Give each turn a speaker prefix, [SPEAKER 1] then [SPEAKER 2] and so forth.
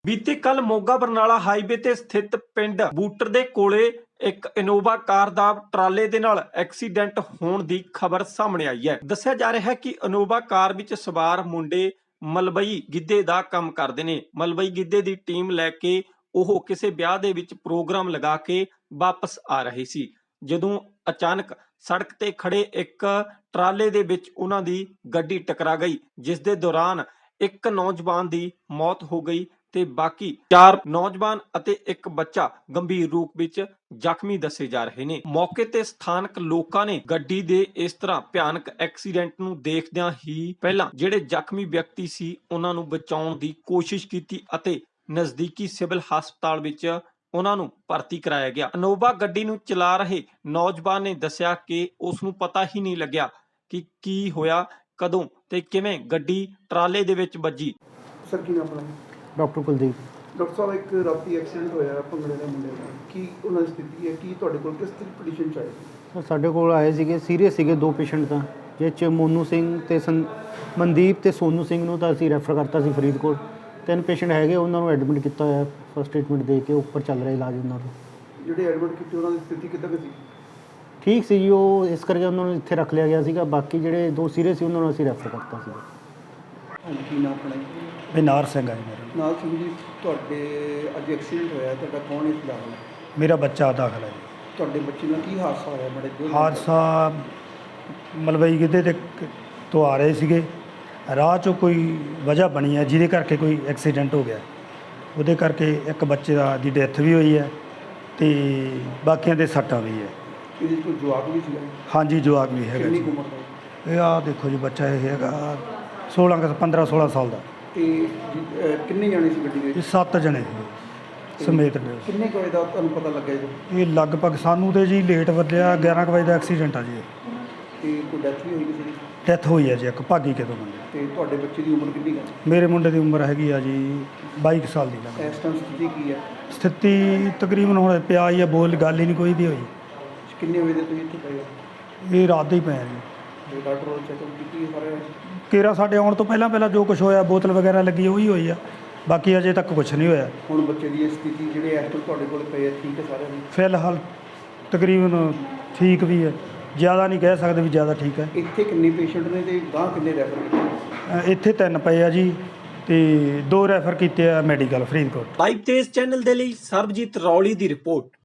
[SPEAKER 1] ਬੀਤੇ ਕੱਲ ਮੋਗਾ ਬਰਨਾਲਾ ਹਾਈਵੇ ਤੇ ਸਥਿਤ ਪਿੰਡ ਬੂਟਰ ਦੇ ਕੋਲੇ ਇੱਕ ਇਨੋਵਾ ਕਾਰ ਦਾ ਟਰਾਲੇ ਦੇ ਨਾਲ ਐਕਸੀਡੈਂਟ ਹੋਣ ਦੀ ਖਬਰ ਸਾਹਮਣੇ ਆਈ ਹੈ। ਦੱਸਿਆ ਜਾ ਰਿਹਾ ਹੈ ਕਿ ਇਨੋਵਾ ਕਾਰ ਵਿੱਚ ਸਵਾਰ ਮੁੰਡੇ ਮਲਬਈ ਗਿੱਧੇ ਦਾ ਕੰਮ ਕਰਦੇ ਨੇ। ਮਲਬਈ ਗਿੱਧੇ ਦੀ ਟੀਮ ਲੈ ਕੇ ਉਹ ਕਿਸੇ ਵਿਆਹ ਦੇ ਵਿੱਚ ਪ੍ਰੋਗਰਾਮ ਲਗਾ ਕੇ ਵਾਪਸ ਆ ਰਹੇ ਸੀ, ਜਦੋਂ ਅਚਾਨਕ ਸੜਕ ਤੇ ਖੜੇ ਇੱਕ ਟਰਾਲੇ ਦੇ ਵਿੱਚ ਉਹਨਾਂ ਦੀ ਗੱਡੀ ਟਕਰਾ ਗਈ, ਜਿਸ ਦੇ ਦੌਰਾਨ ਇੱਕ ਨੌਜਵਾਨ ਦੀ ਮੌਤ ਹੋ ਗਈ ਤੇ ਬਾਕੀ 4 ਨੌਜਵਾਨ ਅਤੇ ਇੱਕ ਬੱਚਾ ਗੰਭੀਰ ਰੂਪ ਵਿੱਚ ਜ਼ਖਮੀ ਦੱਸੇ ਜਾ ਰਹੇ ਨੇ। ਮੌਕੇ ਤੇ ਸਥਾਨਕ ਲੋਕਾਂ ਨੇ ਗੱਡੀ ਦੇ ਇਸ ਤਰ੍ਹਾਂ ਭਿਆਨਕ ਐਕਸੀਡੈਂਟ ਨੂੰ ਦੇਖਦਿਆਂ ਹੀ ਪਹਿਲਾਂ ਜਿਹੜੇ ਜ਼ਖਮੀ ਵਿਅਕਤੀ ਸੀ ਉਹਨਾਂ ਨੂੰ ਬਚਾਉਣ ਦੀ ਕੋਸ਼ਿਸ਼ ਕੀਤੀ ਅਤੇ ਨਜ਼ਦੀਕੀ ਸਿਵਲ ਹਸਪਤਾਲ ਵਿੱਚ ਉਹਨਾਂ ਨੂੰ ਭਰਤੀ ਕਰਾਇਆ ਗਿਆ। ਇਨੋਵਾ ਗੱਡੀ ਨੂੰ ਚਲਾ ਰਹੇ ਨੌਜਵਾਨ ਨੇ ਦੱਸਿਆ ਕਿ ਉਸ ਨੂੰ ਪਤਾ ਹੀ ਨਹੀਂ ਲੱਗਿਆ ਕਿ ਕੀ ਹੋਇਆ, ਕਦੋਂ ਤੇ ਕਿਵੇਂ ਗੱਡੀ ਟਰਾਲੇ ਦੇ ਵਿੱਚ ਵੱਜੀ।
[SPEAKER 2] ਸਰ ਕੀ ਨਾਮ ਆਪਣਾ?
[SPEAKER 3] ਡਾਕਟਰ ਕੁਲਦੀਪ।
[SPEAKER 2] ਡਾਕਟਰ ਸਾਹਿਬ, ਇੱਕ ਰਾਤੀ ਐਕਸੀਡੈਂਟ ਹੋਇਆ ਭੰਗੜੇ ਦੇ ਮੁੰਡੇ ਦਾ, ਕੀ ਉਹਨਾਂ ਦੀ ਸਥਿਤੀ ਹੈ? ਕੀ ਤੁਹਾਡੇ ਕੋਲ ਕਿਸ ਤਰ੍ਹਾਂ ਕੰਡੀਸ਼ਨ ਚ ਆਏ?
[SPEAKER 3] ਸਰ ਸਾਡੇ ਕੋਲ ਆਏ ਸੀਗੇ, ਸੀਰੀਅਸ ਸੀਗੇ 2 ਪੇਸ਼ੈਂਟ ਤਾਂ, ਜਿਸ 'ਚ ਮੋਨੂ ਸਿੰਘ ਤੇ ਮਨਦੀਪ ਤੇ ਸੋਨੂ ਸਿੰਘ ਨੂੰ ਤਾਂ ਅਸੀਂ ਰੈਫਰ ਕਰਤਾ ਸੀ ਫਰੀਦਕੋਟ। 3 ਪੇਸ਼ੈਂਟ ਹੈਗੇ, ਉਹਨਾਂ ਨੂੰ ਐਡਮਿਟ ਕੀਤਾ ਹੋਇਆ, ਫਸਟ ਟ੍ਰੀਟਮੈਂਟ ਦੇ ਕੇ ਉੱਪਰ ਚੱਲ ਰਿਹਾ ਇਲਾਜ ਉਹਨਾਂ ਦਾ।
[SPEAKER 2] ਜਿਹੜੇ ਐਡਮਿਟ ਕੀਤੇ ਉਹਨਾਂ ਦੀ ਸਥਿਤੀ ਕਿੱਦਾਂ ਦੀ ਸੀ?
[SPEAKER 3] ਠੀਕ ਸੀ ਜੀ, ਉਹ ਇਸ ਕਰਕੇ ਉਹਨਾਂ ਨੂੰ ਇੱਥੇ ਰੱਖ ਲਿਆ ਗਿਆ ਸੀਗਾ। ਬਾਕੀ ਜਿਹੜੇ 2 ਸੀਰੀਅਸ ਸੀ ਉਹਨਾਂ ਨੂੰ ਅਸੀਂ ਰੈਫਰ ਕਰਤਾ ਸੀ।
[SPEAKER 2] ਹਾਂਜੀ, ਕੀ ਨਾਮ ਆਪਣਾ?
[SPEAKER 4] ਬਿਨਾਰ ਸਿੰਘ ਆ ਜੀ ਮੇਰਾ।
[SPEAKER 2] ਨਾਲ ਸਿੰਘ ਜੀ, ਤੁਹਾਡੇ ਅੱਜ ਐਕਸੀਡੈਂਟ ਹੋਇਆ, ਤੁਹਾਡਾ ਕੌਣ ਇਸ ਦਾ?
[SPEAKER 4] ਮੇਰਾ ਬੱਚਾ ਦਾਖਲ ਹੈ ਜੀ।
[SPEAKER 2] ਤੁਹਾਡੇ ਬੱਚੇ ਨਾਲ ਕੀ ਹਾਦਸਾ ਹੋਇਆ? ਬੜੇ ਦਿਨ
[SPEAKER 4] ਹਾਦਸਾ ਮਲਵਈ ਗਿੱਧੇ ਤੇ ਤੋਂ ਆ ਰਹੇ ਸੀਗੇ, ਰਾਹ 'ਚੋਂ ਕੋਈ ਵਜ੍ਹਾ ਬਣੀ ਹੈ ਜਿਹਦੇ ਕਰਕੇ ਕੋਈ ਐਕਸੀਡੈਂਟ ਹੋ ਗਿਆ। ਉਹਦੇ ਕਰਕੇ ਇੱਕ ਬੱਚੇ ਦੀ ਡੈਥ ਵੀ ਹੋਈ ਹੈ ਤੇ ਬਾਕੀਆਂ ਦੇ ਸੱਟਾਂ ਵੀ ਹੈ।
[SPEAKER 2] ਇਹਦੇ 'ਚ ਕੋਈ ਜਵਾਕ ਵੀ ਸੀਗਾ?
[SPEAKER 4] ਹਾਂਜੀ, ਜਵਾਕ ਵੀ ਹੈਗਾ
[SPEAKER 2] ਕਿੰਨੀ
[SPEAKER 4] ਜੀ।
[SPEAKER 2] ਕੁ ਉਮਰ ਦਾ?
[SPEAKER 4] ਇਹ ਆਹ ਦੇਖੋ ਜੀ, ਬੱਚਾ ਇਹ ਹੈਗਾ 15-16 ਸਾਲ ਦਾ।
[SPEAKER 2] ਤੇ ਕਿੰਨੇ ਜਾਣੇ ਸੀ ਗੱਡੀ ਦੇ?
[SPEAKER 4] ਇਹ 7 ਜਣੇ ਸੀ ਸਮੇਤ ਨੇ।
[SPEAKER 2] ਕਿੰਨੇ ਕੁ ਵਜੇ ਦਾ ਤੁਹਾਨੂੰ ਪਤਾ ਲੱਗਿਆ ਜੀ?
[SPEAKER 4] ਇਹ ਲਗਭਗ ਸਾਨੂੰ ਤੇ ਜੀ ਲੇਟ ਵੱਜਿਆ 11 ਕੁ ਵਜੇ ਦਾ ਐਕਸੀਡੈਂਟ ਆ ਜੀ।
[SPEAKER 2] ਤੇ ਕੋਈ ਡੈਥ ਵੀ ਹੋਈ ਕਿਸੇ ਦੀ?
[SPEAKER 4] ਡੈਥ ਹੋਈ ਹੈ ਜੀ ਇੱਕ ਭਾਗੀ ਕਿਤੋਂ ਬੰਦੇ।
[SPEAKER 2] ਤੇ ਤੁਹਾਡੇ ਬੱਚੇ ਦੀ ਉਮਰ ਕਿੰਨੀ ਹੈ?
[SPEAKER 4] ਮੇਰੇ ਮੁੰਡੇ ਦੀ ਉਮਰ ਹੈਗੀ ਆ ਜੀ 22 ਸਾਲ ਦੀ ਲੱਗ।
[SPEAKER 2] ਇਸ ਟਾਈਮ ਸਥਿਤੀ ਕੀ ਹੈ?
[SPEAKER 4] ਸਥਿਤੀ ਤਕਰੀਬਨ ਹੁਣ ਪਿਆ ਹੀ ਆ, ਬੋਲ ਗੱਲ ਹੀ ਨਹੀਂ ਕੋਈ ਵੀ ਹੋਈ।
[SPEAKER 2] ਕਿੰਨੇ ਵਜੇ ਦੇ ਤੁਸੀਂ ਇੱਥੇ ਪਏ ਹੋ?
[SPEAKER 4] ਇਹ ਰਾਤ ਦੇ ਹੀ ਪਏ ਆ ਜੀ।
[SPEAKER 2] ਤੇ ਡਾਕਟਰ ਕੋਲ ਚੈੱਕਅਪ ਕੀਤੀ ਸਾਰੇ?
[SPEAKER 4] ਕੇਰਾ ਸਾਡੇ ਆਉਣ ਤੋਂ ਪਹਿਲਾਂ ਜੋ ਕੁਝ ਹੋਇਆ, ਬੋਤਲ ਵਗੈਰਾ ਲੱਗੀ ਉਹੀ ਹੋਈ ਆ, ਬਾਕੀ ਅਜੇ ਤੱਕ ਕੁਝ ਨਹੀਂ ਹੋਇਆ।
[SPEAKER 2] ਹੁਣ ਬੱਚੇ ਦੀ ਇਹ ਸਥਿਤੀ ਜਿਹੜੇ ਇਸ ਟਾਈਮ ਤੁਹਾਡੇ ਕੋਲ ਪਏ ਆ, ਠੀਕ ਹੈ ਸਾਰਿਆਂ ਦੀ?
[SPEAKER 4] ਫਿਲਹਾਲ ਤਕਰੀਬਨ ਠੀਕ ਵੀ ਹੈ, ਜ਼ਿਆਦਾ ਨਹੀਂ ਕਹਿ ਸਕਦੇ ਵੀ ਜ਼ਿਆਦਾ ਠੀਕ ਹੈ।
[SPEAKER 2] ਇੱਥੇ ਕਿੰਨੇ ਪੇਸ਼ੈਂਟ ਨੇ ਤੇ ਗਾਂ ਕਿੰਨੇ ਰੈਫਰ ਕੀਤੇ?
[SPEAKER 4] ਇੱਥੇ 3 ਪਏ ਆ ਜੀ ਤੇ 2 ਰੈਫਰ ਕੀਤੇ ਆ medical Faridkot.
[SPEAKER 1] Live Tez channel ਦੇ ਲਈ ਸਰਬਜੀਤ ਰੌਲੀ ਦੀ ਰਿਪੋਰਟ।